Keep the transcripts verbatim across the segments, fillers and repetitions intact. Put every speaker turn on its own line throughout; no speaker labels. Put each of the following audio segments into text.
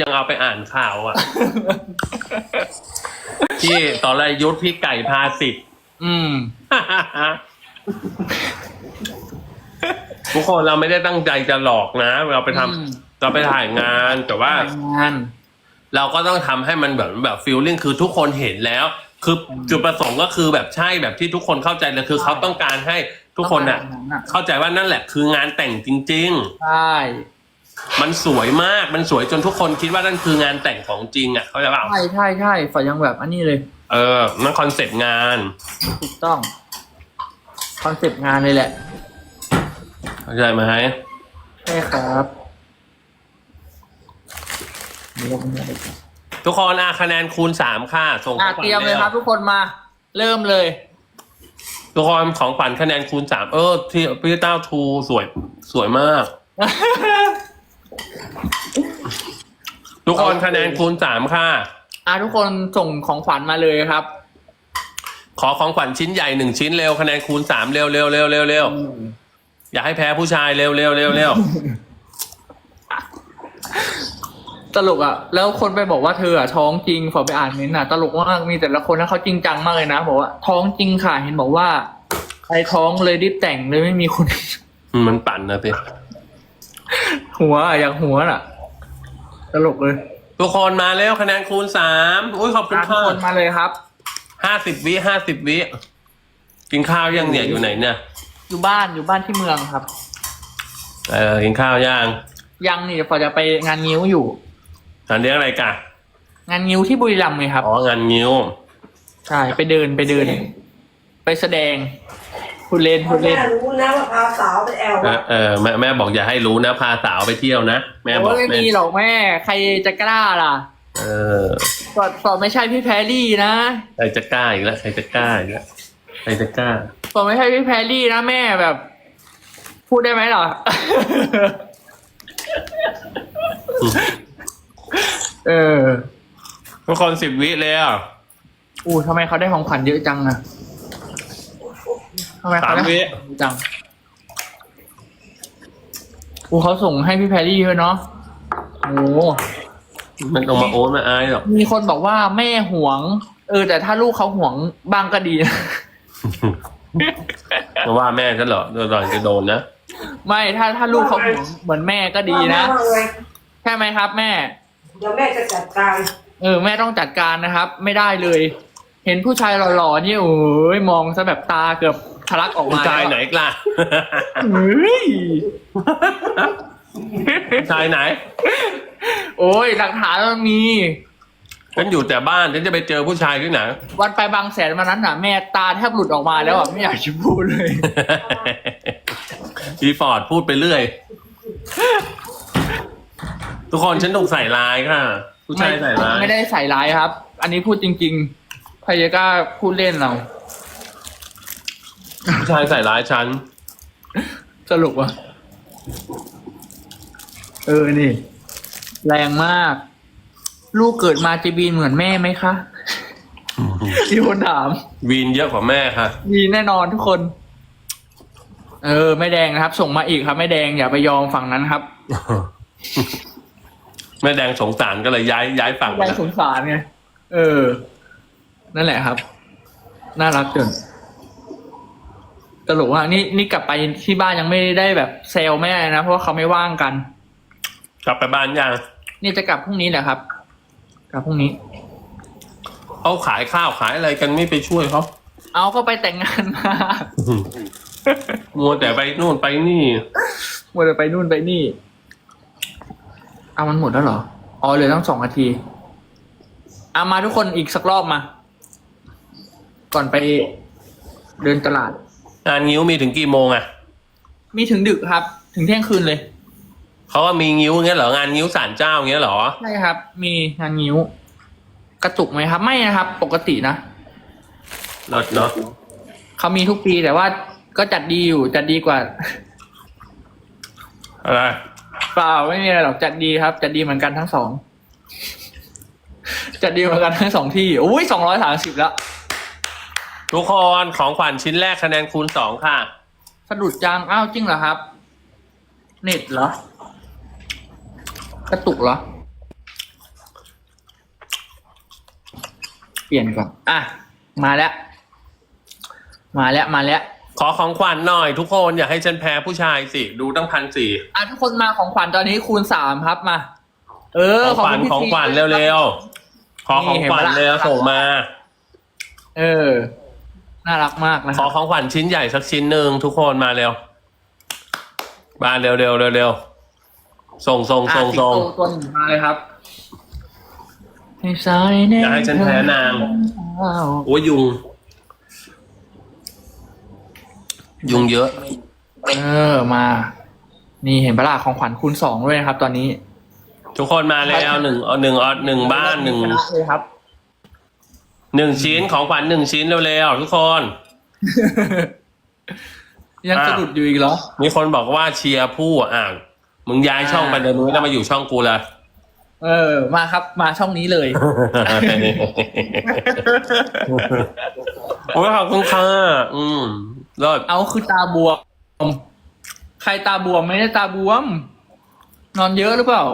ยังเอาไปอ่านข่าวอ่ะ ที่ตอนแรกยุทธพี่ไก่พาสิทธิ์
อืม
ทุกคนเราไม่ได้ตั้งใจจะหลอกนะ เราไปทำ
อืม
เราไปถ่ายงานแต่ว่า
งาน
เราก็ต้องทำให้มันแบบแบบฟีลลิ่งคือทุกคนเห็นแล้ว คือจุดประสงค์ก็คือแบบใช่แบบที่ทุกคนเข้าใจเลยคือเขาต้องการให้ทุกคนน่ะ เข้าใจว่านั่นแหละคืองานแต่งจริง
ใช่
ๆ มันสวยมากมันสวยจนทุกคนคิดว่านั่นคืองานแต่งของจริงอ่ะเข้าใจเปล่า
ใช่ใช่ใช่ฝอยยังแบบอันนี้เลย
เออนั่นคอนเซ็ปต์งาน
ถูกต้องคอนเซปต์งานเลยแหละ
เข้าใจไหม
ใช่ครับเดี๋ยวผมจะไปก่อน
ทุกคนอ่ะคะแนนคูณสามค่ะส่ง
อ่ะ
ของขวัญ
เตรียมเลยครับ
แว
ทุกคนมา เริ่มเลย
ทุกคนของขวัญคะแนนคูณสามเออที่พี่เต้าทูสวยสวยมาก ทุกคนคะแนนคูณสามค่ะ
อ่ะทุกคนส่งของขวัญมาเลยครับ
ขอของขวัญชิ้นใหญ่หนึ่งชิ้นเร็วคะแนนคูณสามเร็วเร็วเร็วเร็วเร็วอย่าให้แพ้ผู้ชายเร็วเร็วเร็วเร็ว
ตลกอ่ะ แล้วคนไปบอกว่าเธออ่ะท้องจริงฝอไปอ่านเม้นต์อ่ะตลกมากมีแต่ละคนนะเขาจริงจังมากเลยนะบอกว่าท้องจริงค่ะเห็นบอกว่าใครท้องเลยรีบแต่งเลยไม่มีคน
มันปั่นนะพี่
หัวอ่ะอยากหัวน่ะ ตลกเลย
ทุกคนมาเร็วคะแนนคูณสามอุ้ยขอบคุณ
อ่ะทุก
ค่ะ
คนมาเลยครับ
ห้าสิบวิห้าสิบวิกินข้าวยังเนี่ยอยู่ไหนเนี่ย
อยู่บ้านอยู่บ้านที่เมืองครับ
เออกินข้าวยัง
ยังนี่เดี๋ยวฝอจะไปงานงิ้วอยู่
งานเลี้ยงอะไรกัน
งานงิ้วที่บุรีรัมย์ไงครับ
อ๋องานงิ้ว
ใช่ไปเดินไปเดิน ไปแสดงพูดเล่นพูดเล่น
แม่รู้นะว่าพาสาวไปแอล
เออเออแม่แม่บอกอย่าให้รู้นะพาสาวไปเที่ยวนะแม่บอก
โอ้ยไม่
แม่
มีหรอกแม่ ใครจะกล้าล่ะ
เออ
ฝอฝอไม่ใช่พี่แพรรี่นะ
ใครจะกล้าอีกแล้วใครจะกล้าอีกแล้วใครจะกล้า
ฝอไม่ใช่พี่แพรรี่นะแม่แบบ พูดได้ไหมหรอ เออ
ทุกคนสิบวิเลยอ่ะ
อู้ทำไมเขาได้ของขวัญเยอะจังอะทำไมเขาได้ของขวัญเยอะจังอู้เขาส่งให้พี่แพรรี่ด้วยเนาะโอ้
มันต้องมาโอ๊ตมาอายหรอก
มีคนบอกว่าแม่หวง เออ แต่ถ้าลูกเขาหวงบ้างก็ดีนะ
เพราะว่าแม่ฉันเหรอโดนหล่อนจะโดนนะ
ไม่ถ้าถ้าลูกเขาหวงเหมือนแม่ก็ดีนะ
ว่าไง
ใช่ไหมครับ แม่
เดี๋ยวแม่จะจัดการ
เออแม่ต้องจัดการนะครับ ไม่ได้เลย เห็นผู้ชายหล่อๆนี่โอ้ยมองซะแบบตาเกือบทะลักออก
ผู้
มา
ชายไหนกล่ะ
เฮ้ย
ผู้ชายไหน
โอ้ยหลักฐานมันมี
ฉันอยู่แต่บ้านฉันจะไปเจอผู้ชายที่ไหน
วันไปบางแสนวันนั้นน่ะ แม่ตาแทบหลุดออกมาแล้วอ่ะไม่อยากจะพูดเลย
อีฟอร์ดพูดไปเรื่อย ทุกคนฉันถูกใส่ร้ายค่ะ ผู้ชายใส่ร้าย
ไม่ได้ใส่ร้ายครับ อันนี้พูดจริงๆใครจะกล้าพูดเล่นเรา
ผู้ชายใส่ร้ายฉัน
สรุปว่ะเออนี่ แรงมาก ลูกเกิดมาจะบีนเหมือนแม่ไหมคะมีคนถาม
วีนเยอะกว่าแม่ค่ะ
มีแน่นอนทุกคน เออไม่แดงนะครับ ส่งมาอีกครับไม่แดงอย่าไปยอมฝั่งนั้นครับ
แม่แดงสงสารก็เลยย้ายย้ายฝั่ง
แรงสงสารไงเออ นั่นแหละครับ น่ารักจนตลกว่านี่นี่กลับไปที่บ้านยังไม่ได้แบบเซลแม่นะเพราะว่าเขาไม่ว่างกัน
กลับไปบ้านยัง
นี่จะกลับพรุ่งนี้แหละครับ กลับพรุ่งนี้
เขาขายข้าวขายอะไรกันไม่ไปช่วยเขา
เอาก็ไปแต่งงานมา
มัวแต่ไปนู่นไปนี่
มัวแต่ไปนู่นไปนี่เอามันหมดแล้วเหรออ๋อเหลือตั้งสองนาทีเอามาทุกคนอีกสักรอบมา ก่อนไปเดินตลาด
งานงิ้วมีถึงกี่โมงอะ
มีถึงดึกครับ ถึงเที่ยงคืนเลย
เขาว่ามีงิ้วเงี้ยเหรองานงิ้วศาลเจ้าเงี้ยเหรอ
ใช่ครับ มีงานงิ้ว กระตุกไหมครับ ไม่นะครับ ปกตินะ
เนาะเนาะ
เขามีทุกปีแต่ว่าก็จัดดีอยู่จัดดีกว่า
อะไร
เปล่าไม่มีอะไรหรอกจัดดีครับ จัดดีเหมือนกันทั้งสอง จัดดีเหมือนกันทั้งสองที่อุ้ยสองร้อยสามสิบแล้ว
ทุกคนของขวัญชิ้นแรกคะแนนคูณสองค่ะ
สะดุดจังอ้าวจริงเหรอครับ เน็ตเหรอ กระตุกเหรอปลี่ยนก่อนอ่ะมาแล้ว มาแล้วมาแล้ว
ขอของขวัญหน่อยทุกคนอยากให้ฉันแพ้ผู้ชายสิดูตั้งพันสี่
อ่ะทุกคนมาของขวัญตอนนี้คูณสามครับมา เออ
ของขวัญ
คุณพี่
ของขวัญเร็วๆขอของขวัญเร็วส่งมา
เออ น่ารักมากนะ
ขอของขวัญชิ้นใหญ่สักชิ้นหนึ่งทุกคนมาเร็วมาเร็วเร็วเร็วเร็วส่งส่งส่งส่ง
อ่ะสิงโตตัวหนึ่งมาเลยครับให้สาย
อยากให้ฉันแพ้นางโอ้ยยุง ยุงเยอะ
เออมา นี่เห็นปะล่ะของขวัญคูณสองด้วยนะครับ ตอนนี้
ทุกคนมาแล้วหนึ่งเอาหนึ่งเอาหนึ่งบ้านหนึ่ง
ชะเลยครับ
หนึ่งชิ้นของขวัญหนึ่งชิ้นเร็วๆทุกคน
ยังสะดุดอยู่อีกเหรอ
มีคนบอกว่าเชียร์ผู้อ่านมึงย้ายช่องไปเลยมึงไม่ต้องมาอยู่ช่องกูเลย
เออ มาครับ มาช่องนี้เลย
โอ้ยขอบคุณค่ะอืมเลิศ
เอาคือตาบวม ใครตาบวมไม่ได้ตาบวม นอนเยอะหรือเปล่า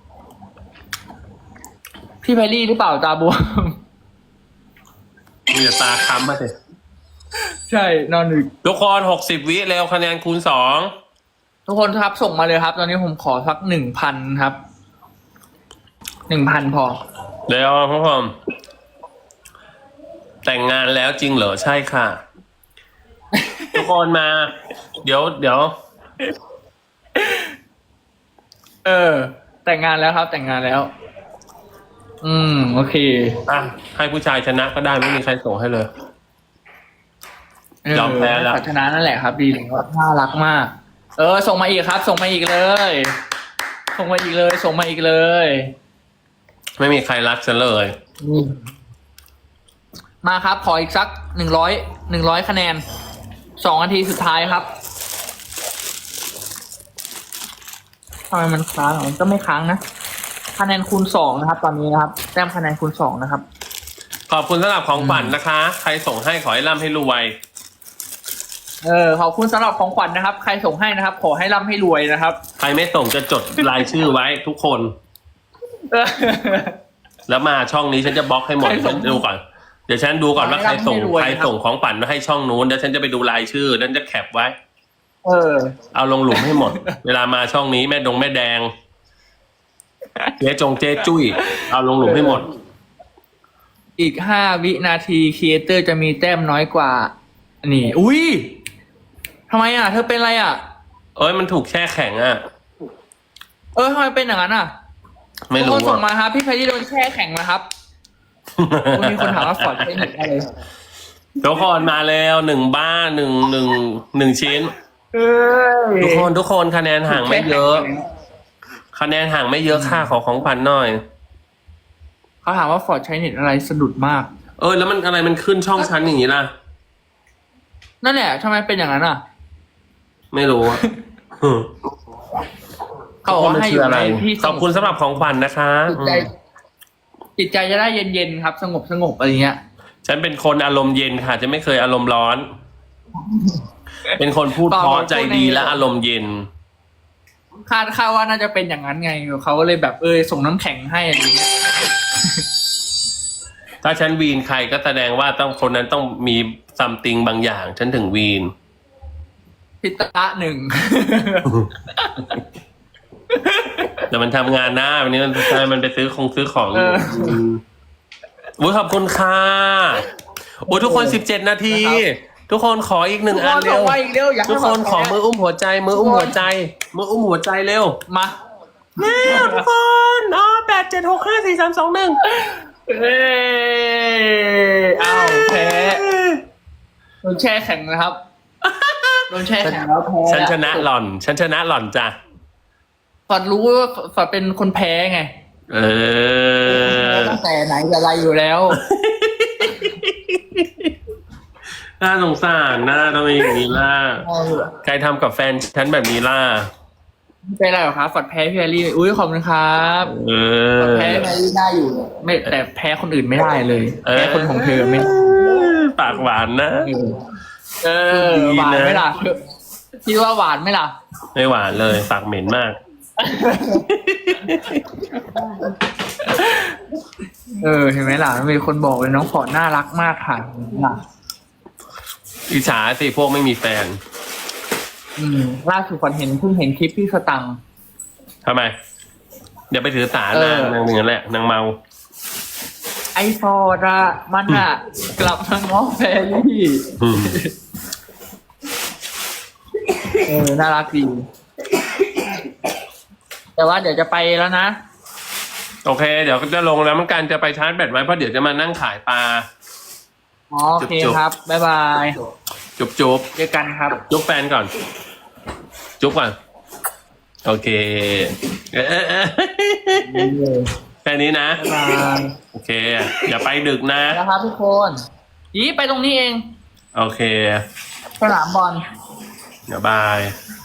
พี่แพรรี่หรือเปล่าตาบวม
มีแต่ตาค้ำมาสิ
ใช่นอนดึก
ทุกคนหกสิบวิเร็วคะแนนคูณสอง
ทุกคนครับส่งมาเลยครับ ตอนนี้ผมขอสักหนึ่งพันครับหนึ่งพันพอ
เร็วทุกคนแต่งงานแล้วจริงเหรอใช่ค่ะ ทุกคนมา เดี๋ยวเดี๋ยว
เออ แต่งงานแล้วครับ แต่งงานแล้ว อืม โอเค
อ่ะให้ผู้ชายชนะก็ได้ไม่มีใครส่งให้เลย ยอมแพ้แล้ว
พัฒนานั่นแหละครับ ดีแล้วน่ารักมาก เออ ส่งมาอีกครับ ส่งมาอีกเลย ส่งมาอีกเลย ส่งมาอีกเลย
ไม่มีใครรักฉันเลย
มาครับ ขออีกสักหนึ่งร้อยหนึ่งร้อยคะแนนสองนาทีสุดท้ายครับทำไมมันค้างอ่ะมันก็ไม่ค้างนะคะแนนคูณสองนะครับ ตอนนี้นะครับแต้มคะแนนคูณสองนะครับ
ขอบคุณสำหรับของขวัญนะคะ ใครส่งให้ขอให้ร่ำให้รวย
เออขอบคุณสำหรับของขวัญนะครับ ใครส่งให้นะครับ ขอให้ร่ำให้รวยนะครับ
ใครไม่ส่งจะจดรายชื่อไว้ทุกคน
เออ
แล้วมาช่องนี้ฉันจะบล็อกให้หมด
ใครส่
ฉั
ง
นดูก่อนเดี๋ยวฉันดูก่อนว่า
ขอ
ใคร
ให้ร่ำ
ส่ง
ให้รวย
ใคร
นะครับ
ส่งของขวัญมาให้ช่องนู้นแล้วฉันจะไปดูรายชื่อแล้วจะแคปไว้
เออ
เอาลงหลุมให้หมด เวลามาช่องนี้แม่ดงแม่แดงเจ๊จงเจ๊จุ้ยเอาลงหลุมให้หมด
อีกห้าวินาทีครีเอเตอร์จะมีแต้มน้อยกว่า นี่ อุ้ยทำไมอ่ะ เธอเป็นอะไรอ่ะ
เอ้ยมันถูกแช่แข็งอ่ะ
เออทำไมเป็นอย่างนั้นอ่ะ
ไม่
ทุก
รู้
คนส่ง
อ่ะ
มาครับ พี่แพรรี่โดนแช่แข็งนะครับคุณมีคนถามว่าฟอร์ดใช้หนึ่งอะไร
ทุกคนมาแล้วหนึ่งบ้านหนึ่งหนึ่งหนึ่งชิ้น
เอ้ย
ทุกคนทุกคนคะแนนห่างไม่เยอะ คะแนนห่างไม่เยอะค่าขอของขวัญหน่อย
เขาถามว่าฟอร์ดใช้เน็ตอะไรสะดุดมาก
เออแล้วมันอะไรมันขึ้นช่องชั้นอย่างนี้ล่ะ
นั่นแหละทำไมเป็นอย่างนั้นอ่ะ
ไม่รู้อะ
เขาบอกว่าให้อยู่ในที่
ขอบคุณสำหรับของขวัญนะคะ
จิตใจจิตใจจะได้เย็นๆครับ สงบสงบอะไรเงี้ย
ฉันเป็นคนอารมณ์เย็นค่ะ จะไม่เคยอารมณ์ร้อน เป็นคนพูดเพราะใจดีและอารมณ์เย็น
คาดคาดว่าน่าจะเป็นอย่างนั้นไงเขาก็เลยแบบเออส่งน้ำแข็งให้อะไรเงี้ย
ถ้าฉันวีนใครก็แสดงว่าต้องคนนั้นต้องมีซัมติงบางอย่าง ฉันถึงวีน
พิตะหนึ่ง
แต่มันทำงานหน้าวันนี้มันมันไปซื้อคงซื้อของอยู่อุ้ยขอบคุณค่ะโอ้ยทุกคนสิบเจ็ดนาที ทุกคนขออีกหนึ่งอันเร็ว
ส่งมาอีกเร็วอยากให้
ทุกคนขอมืออุ้มหัวใจ มืออุ้มหัวใจ มืออุ้มหัวใจเร็ว
มา
เร็วทุกคนอ๋อแปดเจ็ดหกห้าสี่สามสองหนึ่ง
เอ้ยอ้าวแพ้โดนแช่แข็งนะครับโดนแช่แข็งแล้วแพ้
ฉันชนะหล่อน ฉันชนะหล่อนจ้ะ
ฟอดรู้ว่าฟอดเป็นคนแพ้ไง
เออ
ตั้งแต่ไหนแต่ไรอยู่แล้ว
น่าสงสารน่าต้องมีอย่างนี้ล่ะ ใครทำกับแฟนฉันแบบนี้ล่ะ
ไม่เป็นไรหรอกครับฟอดแพ้พี่แอลลี่อุ้ยขอบคุณครับ
เอ
ฟอด
อ
แพ้พี่แอลลี่ได้อยู่ไม่แต่แพ้คนอื่นไม่ได้เลยแพ้คนของเธอไม่ได้
ปากหวานนะ
เออหวานไหมล่ะคิดว่าหวานไหมล่ะ
ไม่หวานเลย ปากเหม็นมาก
เออเห็นไหมล่ะมีคนบอกเลยน้องฟอร์ดน่ารักมากค่ะน่ะ
อิจฉาสิพวกไม่มีแฟน
อืมล่าสุดฝันเห็นเพิ่งเห็นคลิปพี่สตังค์
ทำไมอย่าไปถือสา
เอ
นา
อ
งนางเหนือแหละนางเมา
ไอฟอร์ดอะมันอะกลับมาง้อแฟรี่
อืม
เออน่ารักดีแต่ว่าเดี๋ยวจะไปแล้วนะ
โอเค เดี๋ยวก็จะลงแล้วมันการจะไปชาร์จแบตไว้เพราะเดี๋ยวจะมานั่งขายปลา
อ๋อโอเค
จุ๊บๆ
ครับ บ๊ายบาย
จุ๊บจุ๊บ
เจอกันครับ
จุ๊บแฟนก่อน จุ๊บก่อน โอเคเอ๊ะแค่นี้นะ
บ๊ายบาย
โอเค อย่าไปดึกนะ
แล้วครับทุกคนอีไปตรงนี้เอง
โอเค
สนามบอล
เดี๋ยวบาย